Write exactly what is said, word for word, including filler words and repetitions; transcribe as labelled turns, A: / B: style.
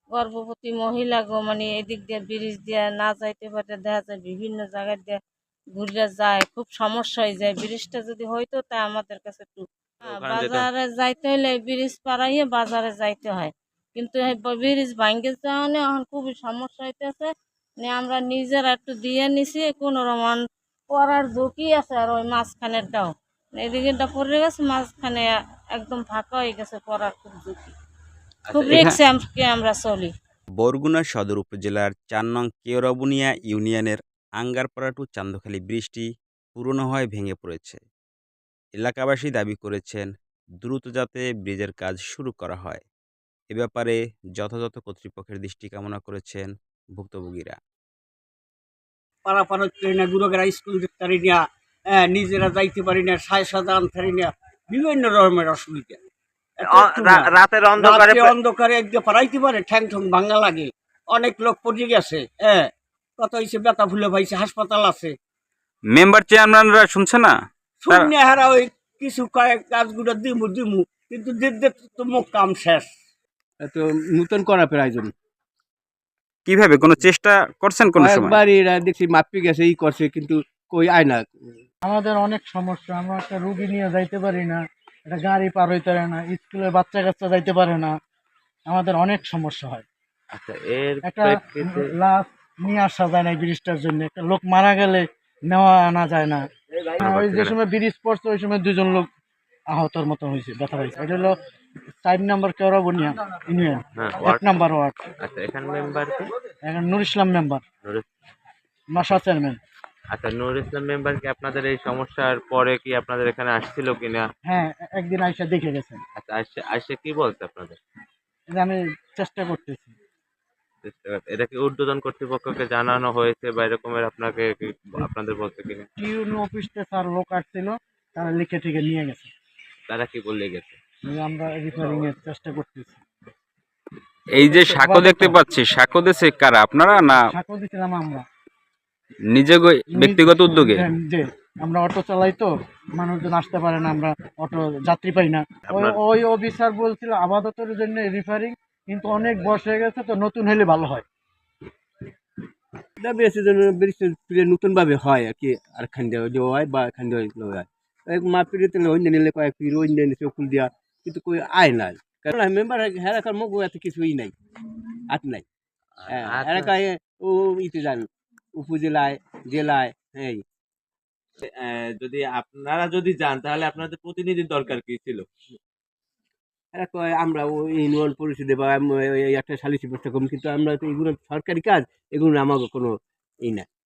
A: গর্ভবতী মহিলা গো মানে এদিক দিয়ে ব্রিজ দিয়ে না যাইতে পারে, দেখা যায় বিভিন্ন জায়গায় দিয়ে ঘুরে যায়, খুব সমস্যা হয়ে যায়। ব্রিজটা যদি হইতো তা আমাদের কাছে একটু হ্যাঁ,
B: ওখানে যেতে
A: বাজারে যাইতে হলে ব্রিজ পাড়াইয়ে বাজারে যাইতে হয়, কিন্তু এই ব- ব্রিজ ভাঙ্গে যাওয়া এখন খুবই সমস্যা হইতেছে। মানে আমরা নিজেরা একটু দিয়ে নিছি কোনো রকম পড়ার ঝুঁকি আছে, আর ওই মাঝখানেরটাও এদিকেটা পড়ে গেছে, মাঝখানে একদম ফাঁকা হয়ে গেছে, পড়ার খুব ঝুঁকি,
B: আচ্ছা
A: খুব
B: এখানে
A: রিস্কে আমরা চলি।
B: বরগুনা সদর উপজেলার চার নং কেওড়াবুনিয়া ইউনিয়নের আঙ্গারপাড়া টু চান্দখালী ব্রিজটি পুরনো হয়ে ভেঙে পড়েছে। এলাকাবাসী দাবি করেছেন দ্রুত যাতে ব্রিজের কাজ শুরু করা হয়। এ ব্যাপারে যথাযথ কর্তৃপক্ষের দৃষ্টি কামনা করেছেন ভুক্তভোগীরা।
C: পারাপার হচ্ছে না, গুরুগেরা স্কুল যেতে পারি না, হ্যাঁ, নিজেরা যাইতে পারি না, সায় সাজা আনতে পারি না, বিভিন্ন রকমের অসুবিধা। এত
D: অ-
C: একটু না।
D: রা- রাতের অন্ধকারে
C: রাত্রে অন্ধকারে একদিকে পারাইতে পারে, ঠ্যাং ঠ্যাং ভাঙা লাগে, অনেক লোক পড়ে গেছে, হ্যাঁ, কত হয়েছে ব্যথা ফুলে পাইছে, হাসপাতাল আছে।
B: মেম্বার চেয়ারম্যানরা শুনছে না?
C: শূন্য হারা ওই কিছু কয়েক কাজগুলো দিমু দিমু, কিন্তু দিতে তো মুখ কাম শেষ।
E: তো নূতন করা প্রয়োজন।
B: কিভাবে কোনো চেষ্টা করছেন কোন সময়?
E: কয়েকবার এরা দেখছি মাপি গেছে, ই করছে, কিন্তু কই আয় না।
F: আমাদের অনেক সমস্যা, আমরা একটা রুগী নিয়ে যাইতে পারি না, একটা গাড়ি পার হইতে পারে না, স্কুলের বাচ্চা কাচ্চা যাইতে পারে না, আমাদের অনেক সমস্যা হয়।
D: আচ্ছা এর
F: একটা
D: প্রেক্ষিতে
F: লাশ নিয়ে আসা যায় না এই ব্রিজটার জন্য, একটা লোক মারা গেলে নেওয়া আনা যায় না। ওই যে সময় ব্রিজ পড়ছে ওই সময় দুজন লোক আহতর মতো হয়েছে, ব্যথা হয়েছে। এটা হলো চার নম্বর কেওড়াবুনিয়া ইউনিয়ন,
D: হ্যাঁ,
F: এক
D: ওয়ার্ড।
F: নম্বর ওয়ার্ড।
D: আচ্ছা এখানে মেম্বার কে?
F: এখন নুর ইসলাম মেম্বার,
D: নুর ইস-
F: নশা চেয়ারম্যান।
D: আচ্ছা নুর ইসলাম মেম্বার কি আপনাদের এই সমস্যার পরে কি আপনাদের এখানে আসছিল কিনা?
F: হ্যাঁ, একদিন আইসা দেখে গেছেন।
D: আচ্ছা আসছে আসছে কি বলছে আপনাদের?
F: এই যে আমি চেষ্টা করতেছি।
D: এটা কি ঊর্ধ্বতন কর্তৃপক্ষকে জানানো হয়েছে বা এরকমের আপনাকে কি আপনাদের বলছে কিনা?
F: টিউন অফিসতে স্যার লোক আসছিল, তারা লিখে টিকে নিয়ে গেছে।
D: তারা কি বলে গেছে?
F: এই যে আমরা রিপেয়ারিং এর চেষ্টা করতেছি।
B: এই যে সাঁকো দেখতে পাচ্ছি, সাঁকো দিছে কারা, আপনারা না
F: সাঁকো দিছিলাম আমরা
B: নিজে গই- ব্যক্তিগত উদ্যোগে?
F: যে- যে আমরা অটো চালাই তো, মানুষজন আসতে পারে না, আমরা অটো যাত্রী পাই না। ওই
D: আপনার-
F: ওই অফিসার বলছিল আপাততের জন্য রিপেয়ারিং, কিন্তু অনেক বয়স হয়ে গেছে তো, নতুন হলে ভালো হয়।
E: দাবি আছে যেন ব্রিজ নতুন ভাবে হয় আর কি, আর খান দেওয়া যে হয় বা খান দেওয়া হয় মাপিরে তেলে অন্য নিলে কয়েক পির অন্য নিচে ফুল দিয়া, কিন্তু কই আয় নাই। কারণ মেম্বার হ্যাঁ রাখার মগ এত কিছুই নাই, হাত নাই। হ্যাঁ,
D: আচ্ছা,
E: এলাকায় ও ইতে যান উপজেলায়, জেলায়, হ্যাঁ।
D: আহ, যদি আপনারা যদি যান তাহলে আপনাদের প্রতিনিধির দরকার কি ছিল?
E: এরা কয় আমরা ওই ইউনিয়ন পরিষদে বা আম- এই একটা সালিসি ব্যবস্থা করবো, কিন্তু আমরা তো এগুলো সরকারি কাজ, এগুলো আমাকে কোনো ই না।